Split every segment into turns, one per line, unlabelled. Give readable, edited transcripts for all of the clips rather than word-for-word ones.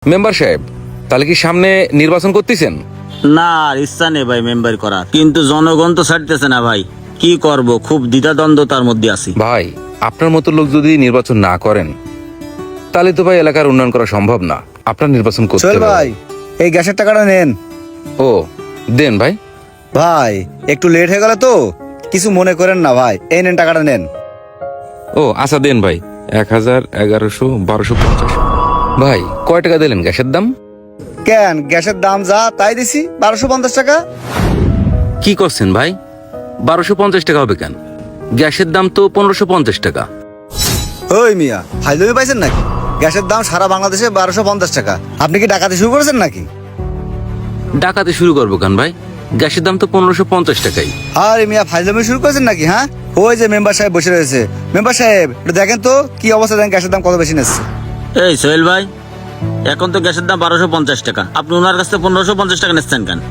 Member সাহেব, তাহলে কি সামনে নির্বাচন করতেছেন?
না, আর ইচ্ছা নেই ভাই মেম্বার করার, কিন্তু জনগণ তো ছাড়তেছে না ভাই। কি করব, খুব দ্বিধাদ্বন্দ্বতার মধ্যে আছি।
ভাই, আপনার মতো লোক যদি নির্বাচন না করেন তাহলে তো ভাই এলাকার উন্নয়ন করা সম্ভব না। আপনার নির্বাচন করতে
সোহেল
হবে।
ভাই, এই গ্যাসের টাকাটা নেন।
ও দেন ভাই।
ভাই একটু লেট হয়ে গেল তো, কিছু মনে করেন না ভাই, এই নেন টাকাটা নেন।
ও আচ্ছা দেন ভাই। 1000, 1100, 1250। ভাই কয় টাকা দিলেন গ্যাসের দাম?
কেন, গ্যাসের দাম যা তাই দিছি, 1250 টাকা।
কি করছেন ভাই? 1250 টাকা হবে কেন? গ্যাসের দাম তো 1550 টাকা।
ওই মিয়া, ফাইজলামি পাইছেন নাকি? গ্যাসের দাম সারা বাংলাদেশে 1250 টাকা। আপনি কি ডাকাতি শুরু করেছেন নাকি?
ডাকাতে শুরু করবো কেন ভাই? গ্যাসের দাম তো 1550 টাকাই।
আরে মিয়া, ফাইজলামি শুরু করেছেন নাকি? হ্যাঁ, ওই যে মেম্বার সাহেব বসে রয়েছে। মেম্বার সাহেব একটু দেখেন তো কি অবস্থা, দেখেন গ্যাসের দাম কত বেশি নিচ্ছে।
এই সোহেল ভাই, এখন তো গ্যাসের দাম 1250 টাকা, আপনি ওনার কাছে 1550 টাকা নিচ্ছেন কেন?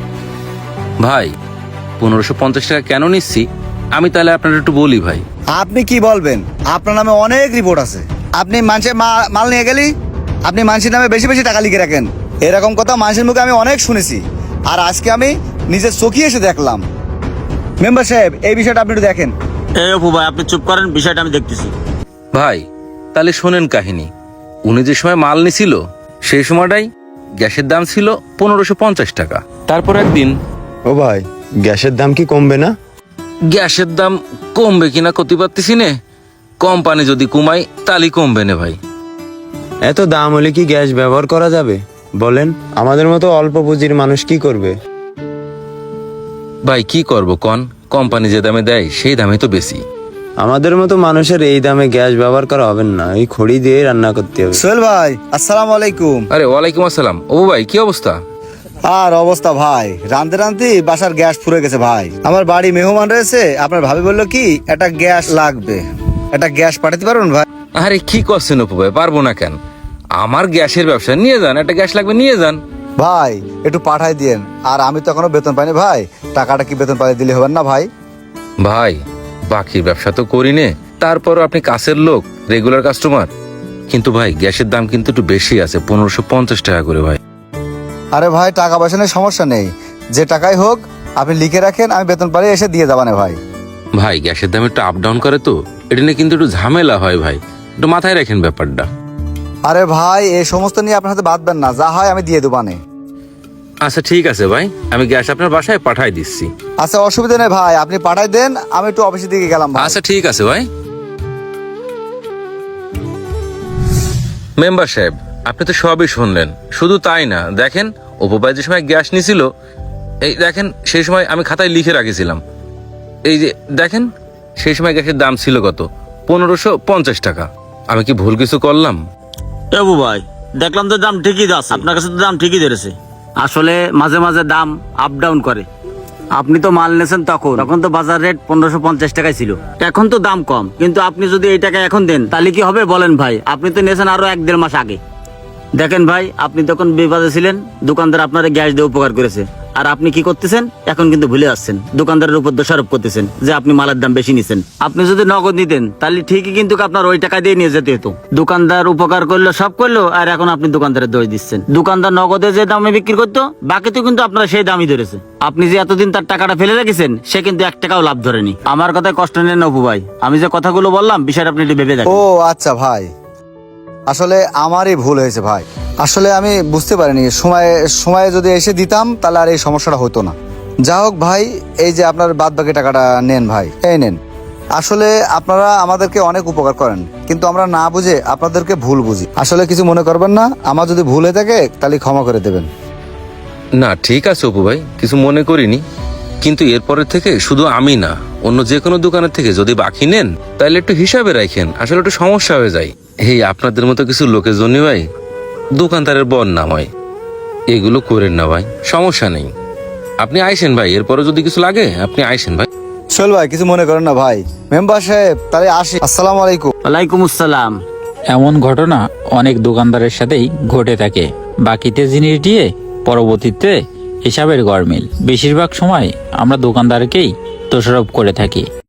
ভাই 1550 টাকা কেন নিচ্ছি আমি তাহলে আপনার একটু বলি ভাই।
আপনি কি বলবেন? আপনার নামে অনেক রিপোর্ট আছে। আপনি মানুষের মাল নিয়ে গেলি, আপনি মানুষের নামে বেশি বেশি টাকা লিখে রাখেন, এরকম কথা মানুষের মুখে আমি অনেক শুনেছি। আর আজকে আমি নিজের চোখে এসে দেখলাম। মেম্বার সাহেব, এই বিষয়টা আপনি একটু দেখেন।
এই অপু ভাই, আপনি চুপ করেন, বিষয়টা আমি দেখতেছি।
ভাই তাহলে শোনেন কাহিনী। উনি যে সময় মাল নিছিল সেই সময়টাই গ্যাসের দাম ছিল 1550 টাকা। তারপর একদিন
ও ভাই, গ্যাসের দাম কি কমবে না?
গ্যাসের দাম কমবে কিনা করতে পারতেছি নে। কোম্পানি যদি কমাই তাহলে কমবে না ভাই।
এত দাম হলে কি গ্যাস ব্যবহার করা যাবে বলেন? আমাদের মতো অল্প পুঁজির মানুষ কি করবে?
ভাই কি করব কন, কোম্পানি যে দামে দেয় সেই দামে তো বেশি।
আমাদের মতো মানুষের এই দামে গ্যাস ব্যবহার করা হবে না, এই খড়ি দিয়ে রান্না করতে হবে।
সোহেল ভাই, আসসালামু আলাইকুম।
আরে ওয়ালাইকুম আসসালাম। ও ভাই কি অবস্থা?
আর অবস্থা ভাই, রান্ধতে রান্ধতে বাসার গ্যাস ফুরে গেছে ভাই। আমার বাড়ি মেহমান রয়েছে, আপনার ভাবি বললো কি একটা গ্যাস লাগবে, একটা গ্যাস পাঠাতে পারবেন ভাই?
আরে কি করছেন অপু ভাই, পারবো না কেন? আমার গ্যাসের ব্যবসা, নিয়ে যান, একটা গ্যাস লাগবে নিয়ে যান।
ভাই একটু পাঠাই দিয়েন। আর আমি তো এখনো বেতন পাইনি ভাই, টাকাটা কি বেতন পাই দিলে হবেন না ভাই?
ভাই বাকির ব্যবসা তো করি নে, তারপরও আপনি কাছের লোক, রেগুলার কাস্টমার। কিন্তু ভাই গ্যাসের দাম কিন্তু একটু বেশি আছে, 1550 টাকা করে ভাই।
আরে ভাই, টাকা পয়সা নিয়ে সমস্যা নেই, যে টাকাই হোক আপনি লিখে রাখেন, আমি বেতন পাই এসে দিয়ে যাবানে ভাই।
ভাই গ্যাসের দাম একটু আপ ডাউন করে তো, এটা নিয়ে কিন্তু একটু ঝামেলা হয় ভাই, একটু মাথায় রাখেন ব্যাপারটা।
আরে ভাই, এই সমস্ত নিয়ে আপনার হাতে বাঁধবেন না, যা হয় আমি দিয়ে দেবানে।
আচ্ছা ঠিক আছে ভাই, আমি গ্যাস আপনার বাসায় পাঠাই দিচ্ছি।
আচ্ছা অসুবিধা নেই ভাই, আপনি পাঠাই দেন, আমি একটু অফিসের দিকে গেলাম ভাই।
আচ্ছা ঠিক আছে ভাই। মেম্বার সাহেব, আপনি তো সবই শুনলেন। শুধু তাই না, দেখেন অপু ভাই যে সময় গ্যাস নিছিল, এই দেখেন সেই সময় আমি খাতায় লিখে রাখেছিলাম। এই যে দেখেন সেই সময় গ্যাসের দাম ছিল কত, 1550 টাকা। আমি কি ভুল কিছু করলাম?
এ অপু ভাই, দেখলাম তো দাম ঠিকই আছে, আপনার কাছে তো দাম ঠিকই ধরেছে। আসলে মাঝে মাঝে দাম আপ ডাউন করে। আপনি তো মাল নেছেন তখন তো বাজার রেট 1550 টাকায় ছিল, এখন তো দাম কম। কিন্তু আপনি যদি এই টাকা এখন দেন তাহলে কি হবে বলেন ভাই? আপনি তো নেছেন আরো 1-1.5 মাস আগে। দেখেন ভাই, আপনি তখন বিপদে ছিলেন, দোকানদার আপনার গ্যাস দিয়ে উপকার করেছে। আর আপনি কি করতেছেন এখন? কিন্তু ভুলে যাচ্ছেন, দোকানদারের উপর দোষারোপ করতেছেন যে আপনি মালের দাম বেশি নিছেন। আপনি যদি নগদ নিতেন তাহলে ঠিকই কিন্তু আপনার ওই টাকা দিয়ে নিয়ে যেতে হতো। দোকানদার উপকার করলো, সব করলো, আর এখন আপনি দোকানদারের দোষ দিচ্ছেন। দোকানদার নগদে যে দামে বিক্রি করতো, বাকি তো কিন্তু আপনারা সেই দামই ধরেছে। আপনি যে এতদিন তার টাকাটা ফেলে রেখেছেন, সে কিন্তু 1 টাকাও লাভ ধরেনি। আমার কথায় কষ্ট নেন না অপু ভাই, আমি যে কথাগুলো বললাম বিষয়টা আপনি একটু ভেবে দেখেন।
ও আচ্ছা ভাই, আসলে আমারই ভুল হয়েছে ভাই। আসলে আমি বুঝতে পারিনি, সময়ে যদি এসে দিতাম তাহলে আর এই সমস্যাটা হতো না। যা হোক ভাই, এই যে আপনার বাদ বাকি টাকাটা নেন ভাই, এই নেন। আসলে আপনারা আমাদেরকে অনেক উপকার করেন, কিন্তু আমরা না বুঝে আপনাদেরকে ভুল বুঝি। আসলে কিছু মনে করবেন না, আমার যদি ভুল হয়ে থাকে তাহলে ক্ষমা করে দেবেন।
না ঠিক আছে অপু ভাই, কিছু মনে করিনি। কিন্তু এরপরের থেকে শুধু আমি না, অন্য যে কোনো দোকানের থেকে যদি বাকি নেন তাহলে একটু হিসাবে রাখেন, আসলে একটু সমস্যা হয়ে যায়। এই আপনাদের মতো কিছু লোকের জন্য ভাই দোকানদারের বদনাম হয়। এগুলো করেন না ভাই, সমস্যা নেই। আপনি আইসেন ভাই, এরপরে যদি কিছু লাগে আপনি আইসেন ভাই।
চল ভাই, কিছু মনে করেন না ভাই। মেম্বার সাহেব তাহলে আসি, আসসালামু আলাইকুম।
ওয়ালাইকুম আসসালাম।
এমন ঘটনা অনেক দোকানদারের সাথেই ঘটে থাকে। বাকিতে জিনিস দিয়ে পরবর্তীতে হিসাবের গরমিল। বেশিরভাগ সময় আমরা দোকানদারকেই দোষারোপ করে থাকি।